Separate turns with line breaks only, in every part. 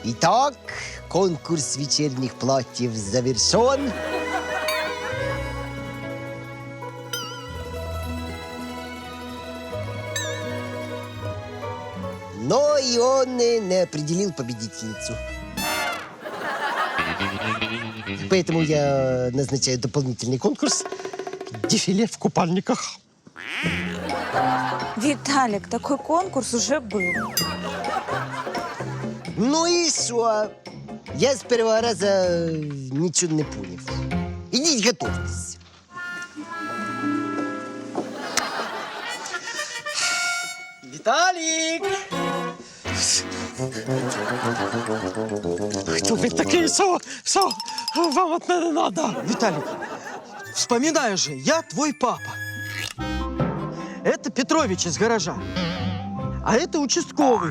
Итак, конкурс вечерних платьев завершен. Но и он не определил победительницу. Поэтому я назначаю дополнительный конкурс «Дефиле в купальниках».
Виталик, такой конкурс уже был.
Ну и что? Я с первого раза ничего не понял. Идите готовьтесь.
Виталик!
Кто вы такие, что вам от меня надо?
Виталик, вспоминаю же, я твой папа. Это Петрович из гаража. А это участковый.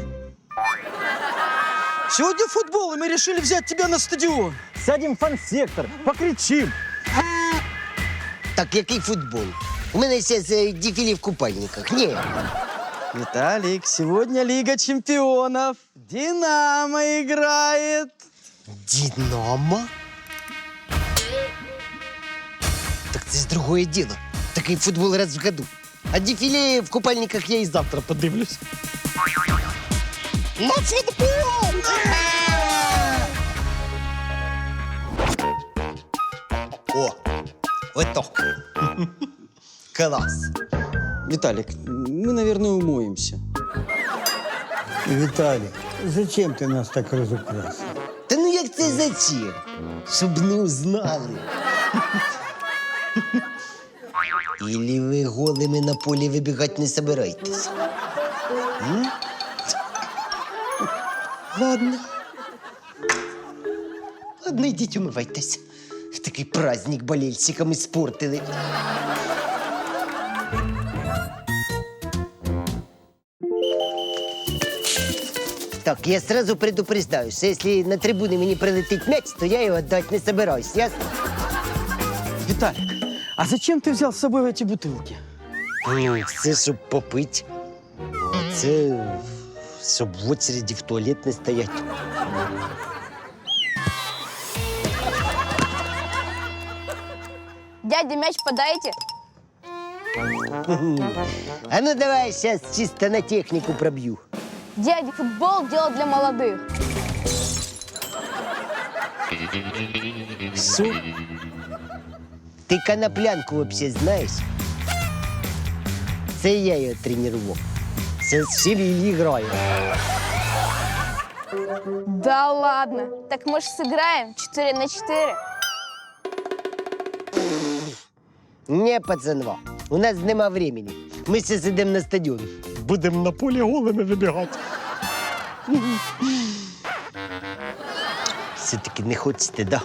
Сегодня футбол, и мы решили взять тебя на стадион.
Сядем в фан-сектор, покричим.
Так, який футбол? У мене зараз дефіле в купальниках. Ні.
Виталик, сегодня Лига чемпионов. Динамо играет.
Динамо? Так це ж другое діло. Такий футбол раз в году. А дефіле в купальниках я і завтра подивлюсь. На футбол! О, ото. Класс.
Виталик, мы, наверное, умоемся.
Виталик, зачем ты нас так разукрасил?
Та ну як це зачем? Щоб не узнали. Или ви голими на полі вибігати не собираєтесь? Ладно. Ладно, йдіть умивайтесь. Такий праздник болельщикам испортили. Так, я сразу предупреждаю, что если на трибуны мне прилетит мяч, то я его отдать не собираюсь, ясно?
Виталик, а зачем ты взял с собой эти бутылки?
Ну, це щоб попити. А це щоб в очереді в туалет не стоять.
Дядя, мяч подайте.
А ну давай сейчас чисто на технику пробью.
Дядя, футбол – дело для молодых.
Что? Ты коноплянку вообще знаешь? Це я ее тренировал. Сейчас в Севилье играю.
Да ладно. Так мы же сыграем 4-4.
Не, пацанва, у нас нема времени. Мы сейчас идем на стадион.
Будемо на полі голими вибігати.
Все-таки не хочете, да?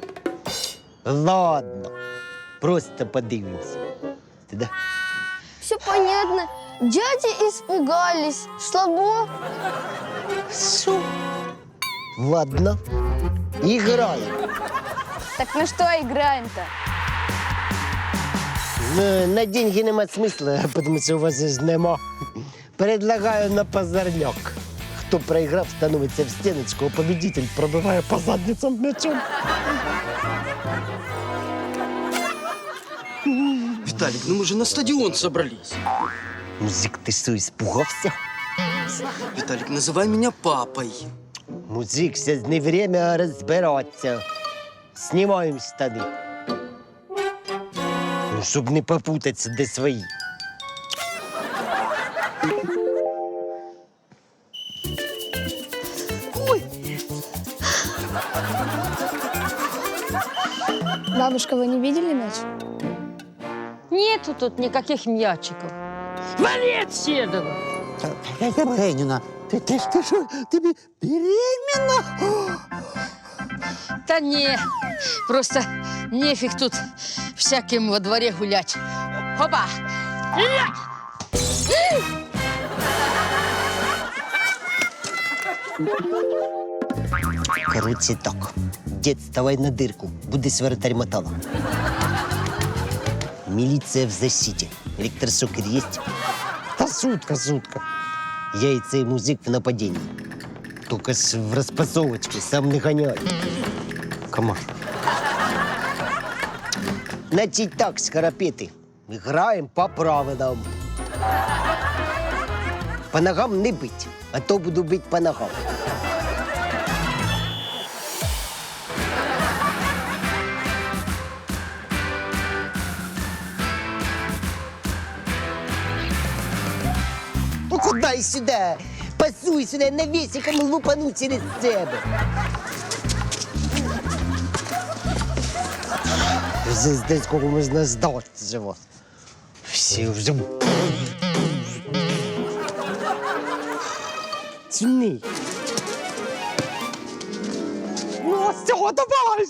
Ладно, просто подивимся. Да?
Все понятно. Дяди испугались. Слабо.
Шо? Ладно, играем.
Так на что играем-то?
На деньги нема смысла, потому что у вас же нема. Предлагаю на позорняк. Хто проиграв, становится в стеночку, а победитель пробиває по задницам м'ячом.
Виталик, ну мы же на стадион собрались.
Музик, ты что, испугался?
Виталик, называй меня папой.
Музик, сейчас не время разбираться. Снимаем штаны. Ну, чтобы не попутаться, де свои.
Бабушка, вы не видели мяч?
Нету тут никаких мячиков. Вали отседова!
Евгеньевна, ты что, ты беременна?
Да не, просто нефиг тут всяким во дворе гулять. Опа!
Короче так. Дед, вставай на дырку. Будешь вратарь мотала. Милиция в защите. Электрошокер есть?
Та сутка.
Яйца и музик в нападении. Тільки ж в розпасовочку, сам не ганяй. Комар. Значить так, скоропіти. Граємо по правилам. По ногам не бить, а то буду бить по ногам. Ну куди сюди? Пасуй сюди, навісиком лупану через себе. Вже здесь кого можна здати живо. Всі вже... Тяни.
Ну, все, давай!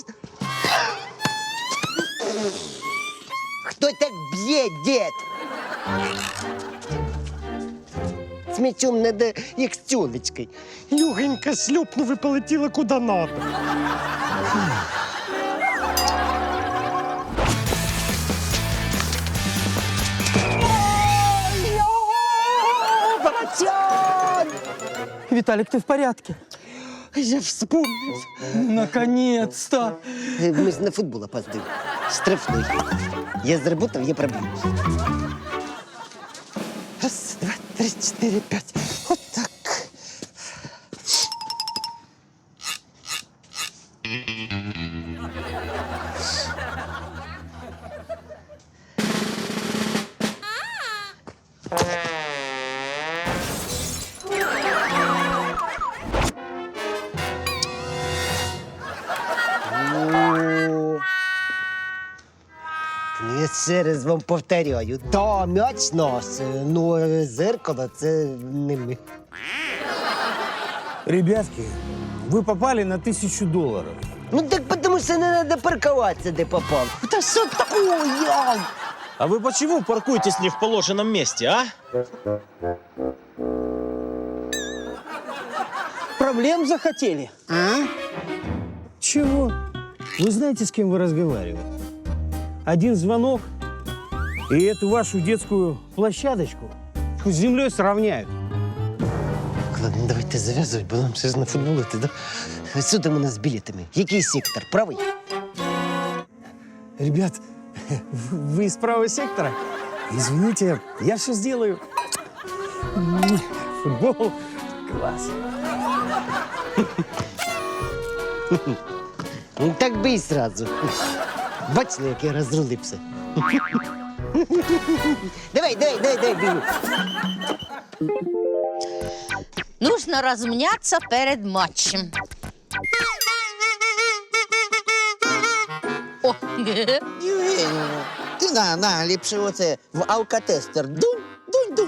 Хто так б'є, дід? З м'ячом надо, як з тюлечкою.
Легенько шлепнув і полетіла куди надо.
Братян!
Виталик, ты в порядке?
Я вспомнив.
Наконец-то!
Ми ж на футбол опаздуємо. Штрафний. Я заработав, я проб'ю.
Раз, два, три, чотири, п'ять. От так.
О. Ну, я ще раз вам повторяю. Да, м'яч наш, ну зеркало це не ми.
Ребятки, вы попали на $1000.
Ну так потому що не треба паркуватися, де попав. Та що такое?
А вы почему паркуетесь не в положенном месте, а?
Проблем захотели?
Чего? Вы знаете, с кем вы разговариваете? Один звонок, и эту вашу детскую площадочку с землей сравняют.
Ладно, давайте зав'язувати, бо нам ще ж на футбол іти, да? Що там у нас з білетами? Який сектор? Правий?
Ребят, вы из правого сектора? Извините, я все сделаю. Футбол класс.
Ну так би і сразу. Бачили, як я розрулився? Давай, бігу.
Нужно размняться перед матчем. О,
Євгенівна, ти на, ліпше оце в алкотестер. Дунь.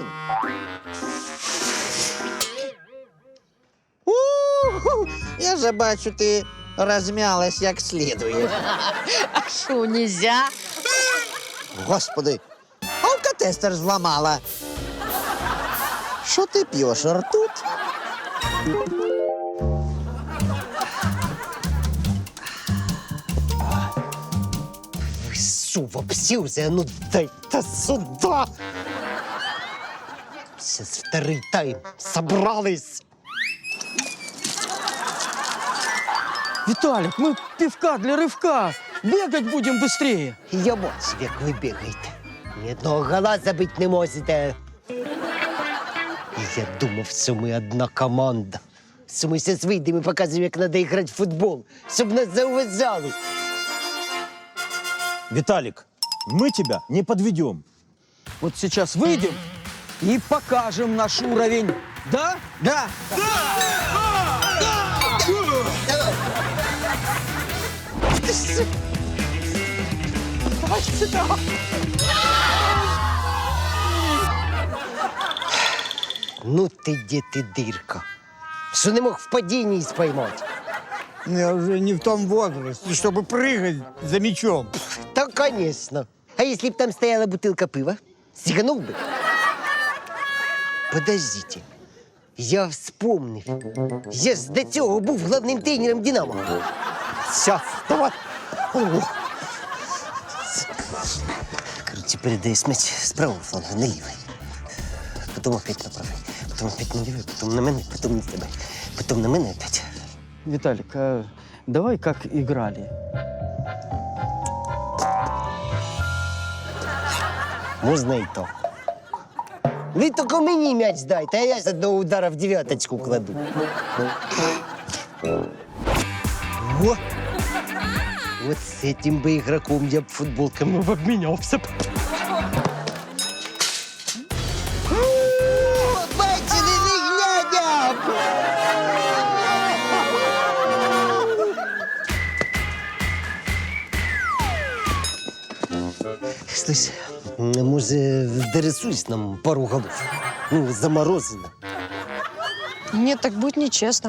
У-ху, я вже бачу, ти розм'ялась як слідує.
а что, нельзя?
Господи, алкотестер зламала. Що ти п'єш, ртуть?
Ви що, вообще вже? Ну дайте сюди. Сейчас второй тайм. Собрались.
Виталик, мы пивка для рывка. Бегать будем быстрее.
Я бачу, як ви бігаєте. Ні одного гола забити не можете. Я думав, що ми одна команда. Що ми зараз вийдемо і покажемо, як треба грати в футбол, щоб нас зауважали.
Виталик, мы тебя не подведем.
Вот сейчас выйдем и покажем наш уровень. Да? Да.
Ну ти, де ти, дирка. Що не мог в падінні споймати?
Я вже не в тому возрасте, щоб прыгать за мячом.
Та, конечно. А если б там стояла бутылка пива, сиганул бы? Подождите. Я вспомнив. Я ж до цього був головним тренером «Динамо». Сейчас, давай. Короче, передаешь мяч с правого фланга на левый. Потом опять на правый. Потом опять на левый, потом на мене, потом на тебе. Потім на мене опять.
Виталик, а давай как играли.
Можна і то. Ви тільки мені м'яч дайте, а я з одного удара в дев'яточку кладу. О! Вот с этим бы игроком я б футболками обменялся. Бачили, не глядя! Слышь, може, дорисуешь нам пару голов? Ну, заморозено.
Нет, так будет нечестно.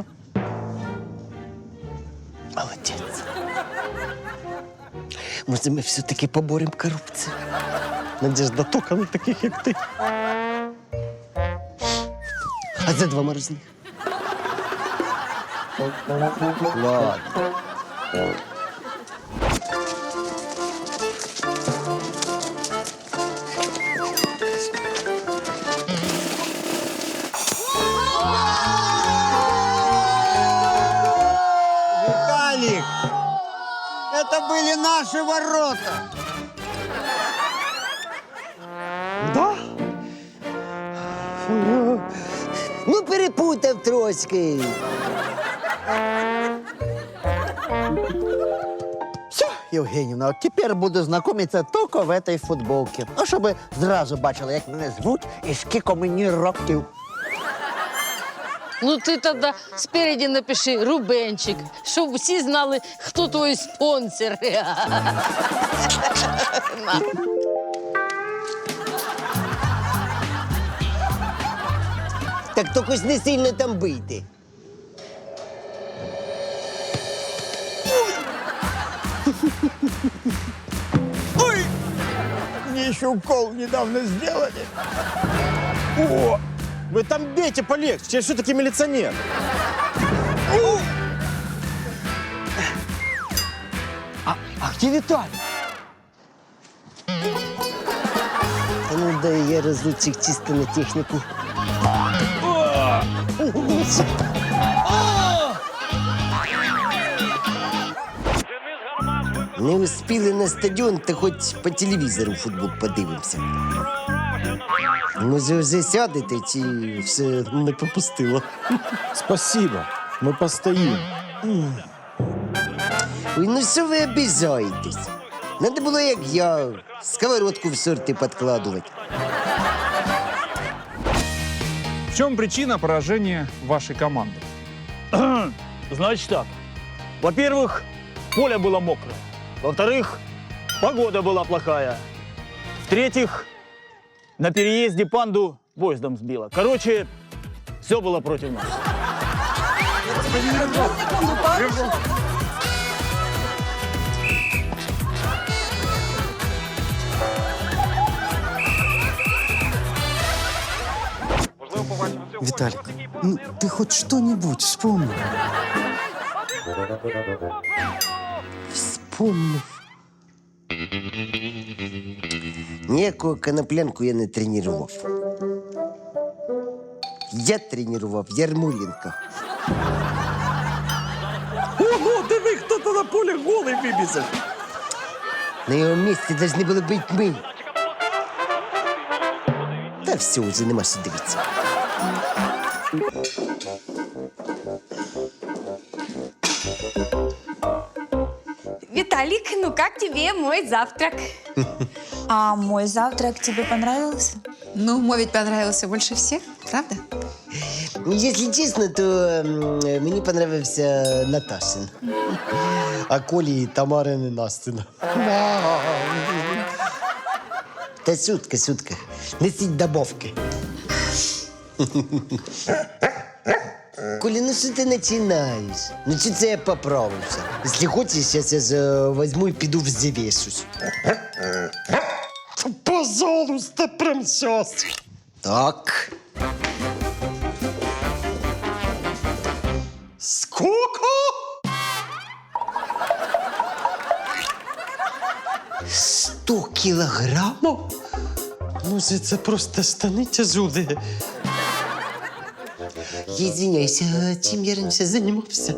Молодец. Може, ми все-таки поборемо корупцію? Надежда только на таких, як ти. А за 2 морозних? Ладно.
Виталик, это были наши ворота.
Да? Ну, перепутав трошки.
Все, Євгенівна, от тепер буду знайомитися тільки в этой футболці. Ну, щоб зразу бачили, як мене звуть і скільки мені років.
Ну ти тоді спереді напиши Рубенчик, щоб всі знали, хто твій спонсор.
Так тільки ж не сильно там бийте.
Мне еще укол недавно сделали.
О! Вы там бейте полегче, я все-таки милиционер.
А где Виталик?
А ну дай я разочек чисто на технику. Не успіли на стадіон, та хоч по телевізору футбол подивимося. Може, вже сядете, чи все не попустило?
Спасибо, мы постоим.
Ой, ну що ви обіжаєтесь? Надо було, як я, сковородку в сорти підкладувати.
В чем причина поражения вашей команды?
Значит так. Во-первых, поле было мокрое. Во-вторых, погода была плохая. В-третьих, на переезде панду поездом сбило. Короче, все было против нас.
Виталик, ну ты хоть что-нибудь вспомни.
Вспомнив. Ніякого коноплянку я не тренував. Я тренував Ярмоленка.
Ого, диви, хто-то на полі голий вибіжав.
На його місці повинні були бути ми. Та все, вже нема що дивитися.
Виталик, ну как тебе мой завтрак? А мой завтрак тебе понравился?
Ну, мой ведь понравился больше всех, правда?
Если честно, то мені понравився Наташин. А Колі і Тамарин Настина. Та шутка, шутка. Несіть добавки. Коля, ну що ти починаєш? Ну чи це я поправився? Якщо хочеш, зараз я ж возьму і піду взвішусь. Пожалуйста, прям сейчас. Так. Сколько? 100 кілограмів? Ну, це просто штани тяжелі. извиняйся, а чим я раніше займався?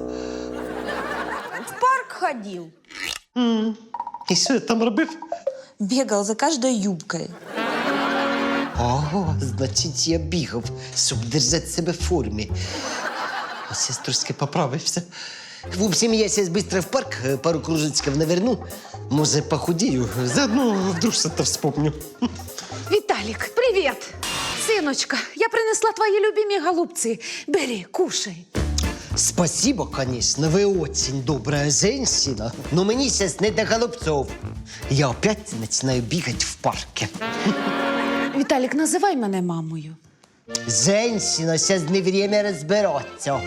В парк ходил.
І що я там робив?
Бегал за каждой юбкой.
Ого, значить, я бігав, щоб держати себе в формі. Ось я трошки поправився. В общем, я сейчас быстро в парк, пару кружечков наверну. Може, похудею, заодно вдруг что-то вспомню.
Віталік, привіт! Синочка, я принесла твої любимі голубці. Бери, кушай.
Спасибо, конечно, вы очень добрая женщина, но мне сейчас не до голубцов. Я опять начинаю бегать в парке.
Віталік, називай мене мамою.
Женщина, сейчас не время разбираться.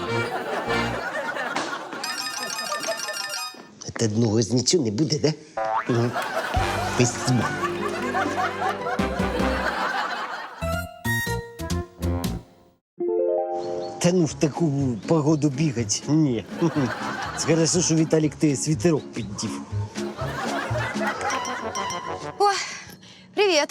От одного з нічого не буде, да? Угу. Спасибо. Та ну в таку погоду бігать? Ні. Хорошо, що Віталік ти світерок піддів.
О, привет.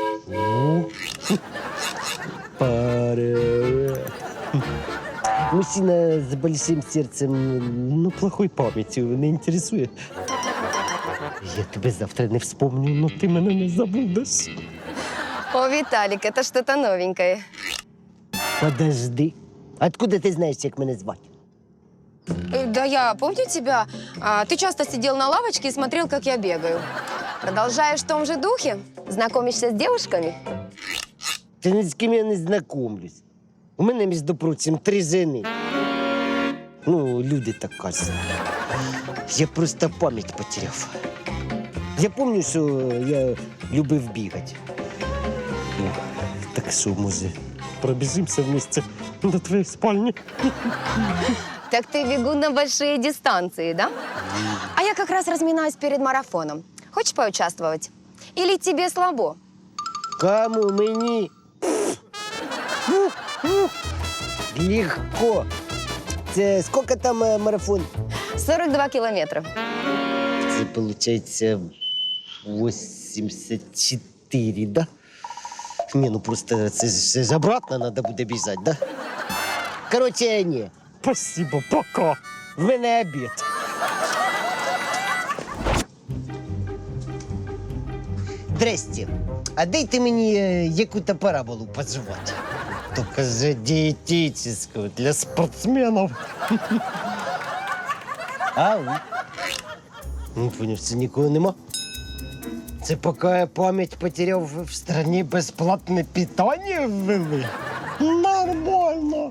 Привет. Мужчина с большим сердцем, но плохой памятью не интересует. Я тебе завтра не вспомню, но ты меня не забудешь.
О, Виталик, это что-то новенькое.
Подожди. Откуда ты знаешь, как меня звать?
Да я помню тебя. Ты часто сидел на лавочке и смотрел, как я бегаю. Продолжаешь в том же духе? Знакомишься с девушками?
Ты ни с кем я не знакомлюсь. У меня, между прочим, 3 жены. Ну, люди так кажуть. Я просто пам'ять потеряв. Я пам'ятаю, що я любив бігати. Ну, так що, може, пробіжимося вместе до твоей спальни?
Так ты бегун на большие дистанции, да? А я как раз разминаюсь перед марафоном. Хочешь поучаствовать? Или тебе слабо?
Кому мені? Легко. Це скільки там марафон?
42 километра.
Це, получается, 84, да? Не, ну просто це ж обратно надо буде біжать, да? Короче, ні. Спасибо, пока. В мене обід. Здрасте. А дайте мені яку-то параболу пожевать. Только же диетическую для спортсменов. Ау. Не поняв, це нікого нема. Це поки я пам'ять потеряв, в стране безплатне питання ввели. Нормально.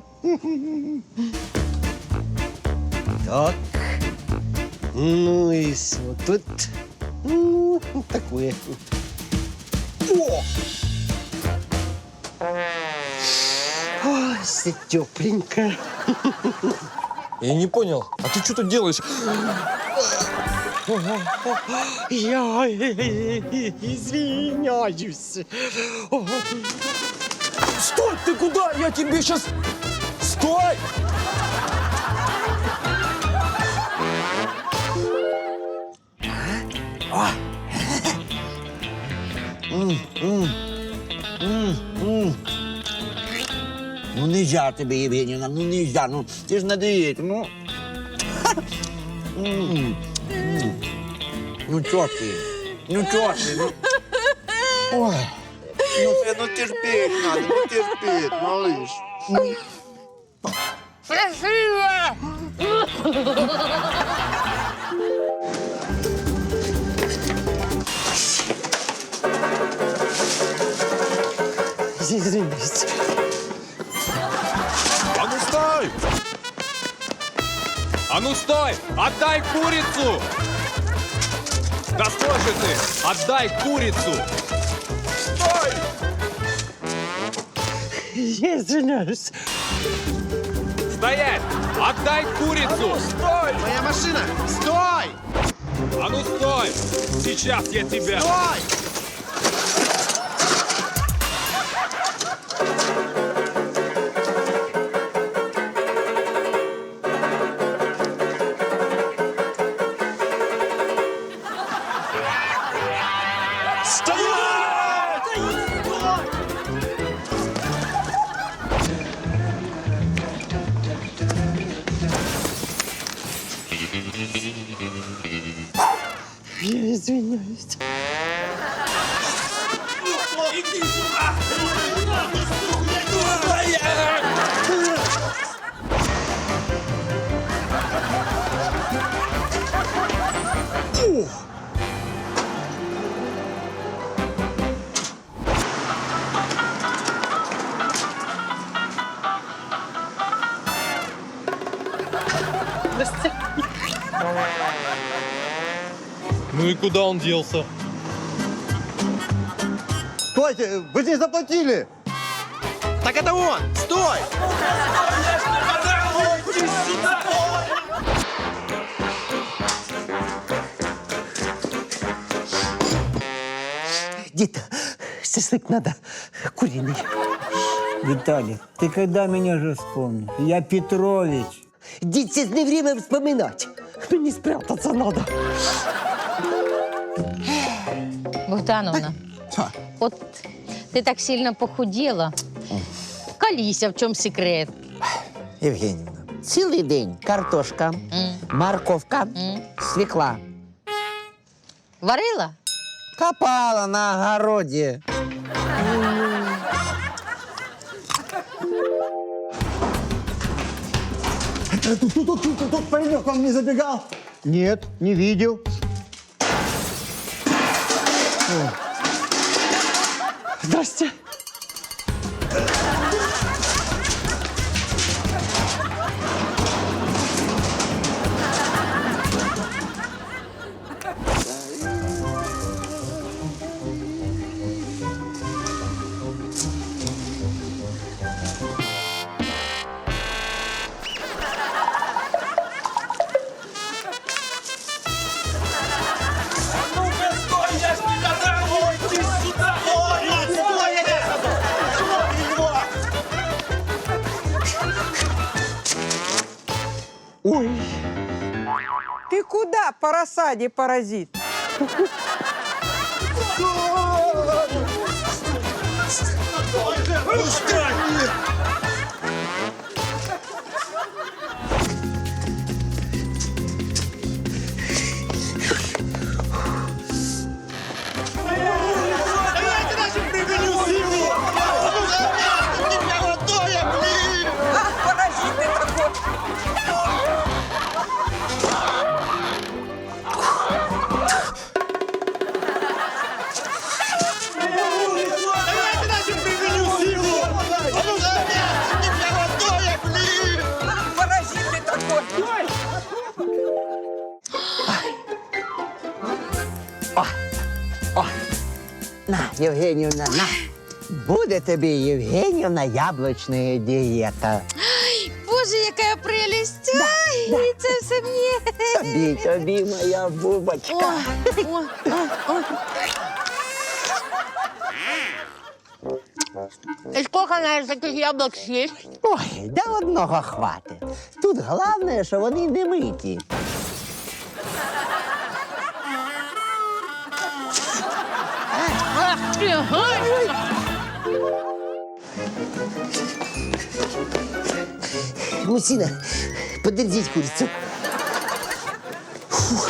Так. Ну и что тут? Ну, такое. О! Ой, все тепленько.
Я не понял, а ты что тут делаешь?
Я извиняюсь.
Стой, ты куда? Я тебе сейчас... Стой!
Ну нельзя тебе, Євгенівна, ну нельзя, ну ти ж на дієті, ну. Ну чого ти? Ну чого ти? Ну. Ой. Ну це, ну терпіть надо, ну терпіть, малыш.
Извиняюсь.
А ну стой! А ну стой! Отдай курицу! Да стой же ты! Отдай курицу! Стой!
Я извиняюсь.
Стоять! Отдай курицу!
Стой! Моя машина! Стой!
А ну стой! Сейчас я тебя...
Стой!
Я извиняюсь.
Ну и куда он делся?
Стойте, вы же не заплатили!
Так это он! Стой!
Дід, шашлик надо, куриный.
Виталик, ты когда меня же вспомнил? Я Петрович.
Дід, сейчас не время вспоминать. Мне спрятаться надо.
Богдановна, от ти так сильно похудела. Колися, в чому секрет?
Євгенівна, цілий день картошка, морковка, свекла.
Варила?
Копала на огороді.
Тут паренек вам не забегал?
Нет, не видел.
Здрасте. Ой.
Ты куда по рассаде, паразит?
На, Євгенівна, на. Буде тобі, Євгенівна, яблучна дієта.
Боже, яка прелість! Ай, це все мені.
Тобі, моя бубочка.
И сколько, наверное, таких яблок съесть?
Ой, да одного хватить. Тут головне, що вони не миті.
Ах ты, гай!
Мужчина, подержите курицу. Фух.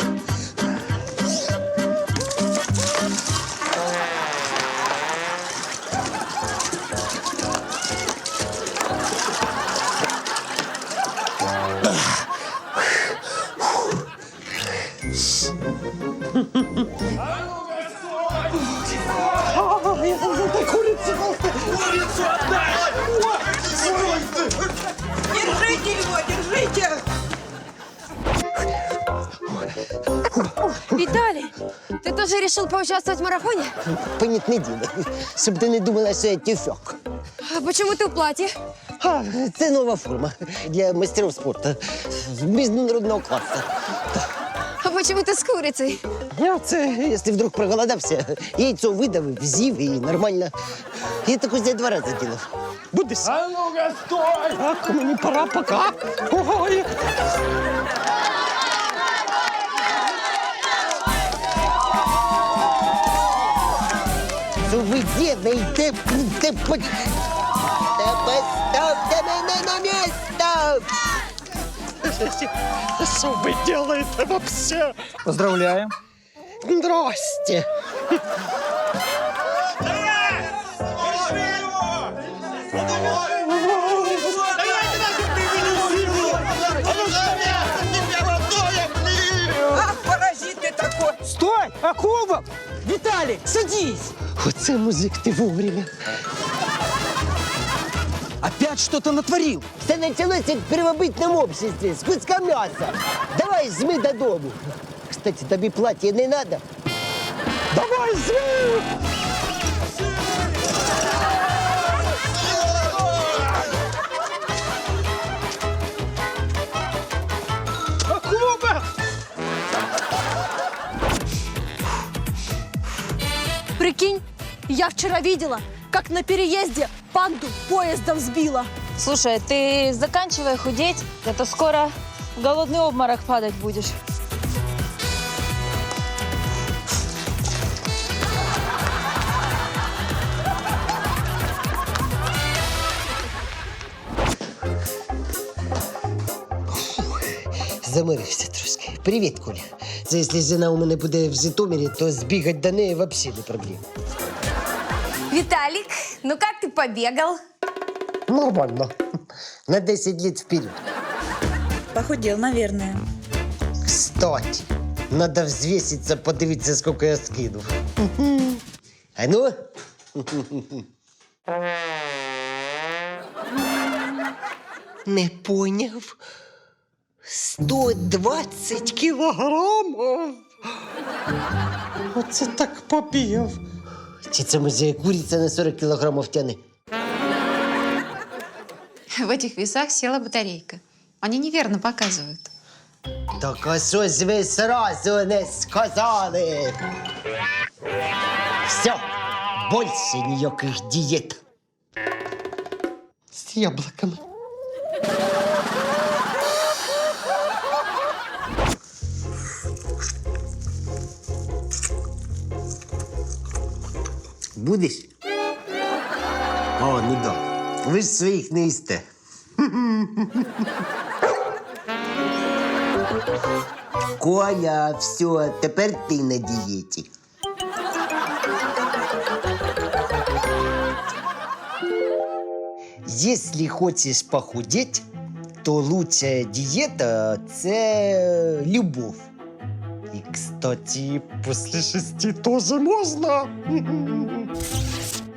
Держите его, держите!
Виталий, ты тоже решил поучаствовать в марафоне?
Понятне діло, щоб ти не думала, що я тюфяк.
А почему ты в платье?
А, це нова форма для мастерів спорту міжнародного класу.
А почему ты с курицей?
Я це, якщо вдруг проголодався, яйцо видавив, з'їв і нормально. Я так ось 2 рази ділав. Будеш?
А ну-ка, стой!
Так, мені пора, пока. Ой. Що ви делаєте? Та поставте мене на місце!
Что вы делаете вообще?
Поздравляем.
Здрасте.
Паразит ты такой! Стой! Акулбок! Виталик, садись!
Оце музик, ти вовремя.
Опять что-то натворил.
Все началось як в первобытном обществе, з куска м'яса. Давай, жми додому. Кстати, тобі плаття не надо? Давай, жми!
Прикинь, я вчера видела, как на переезде панду поездом сбила.
Слушай, ты заканчивай худеть, а то скоро в голодный обморок падать будешь.
Замирився трошки. Привіт, Коля. Це якщо жена у мене буде в Житомирі, то збігати до неї взагалі не проблема.
Виталик, ну как ты побегал?
Нормально. На 10 лет вперед.
Похудел, наверное.
Кстати, надо взвеситься, подивитися, сколько я скинув. А ну? Не поняв. 120 кілограмів.
Оце так побіг.
Чи це може куриця на 40 кілограмів тяне?
В этих весах села батарейка. Они неверно показывают.
Так а що ж ви сразу не сказали? Все, більше ніяких дієт. З яблуками. Будеш? О, ну да. Ви ж своїх не їсте. Коля, все, тепер ти на дієті. Если хочешь похудеть, то лучшая диета – це любовь. И, кстати, после 6 тоже можно.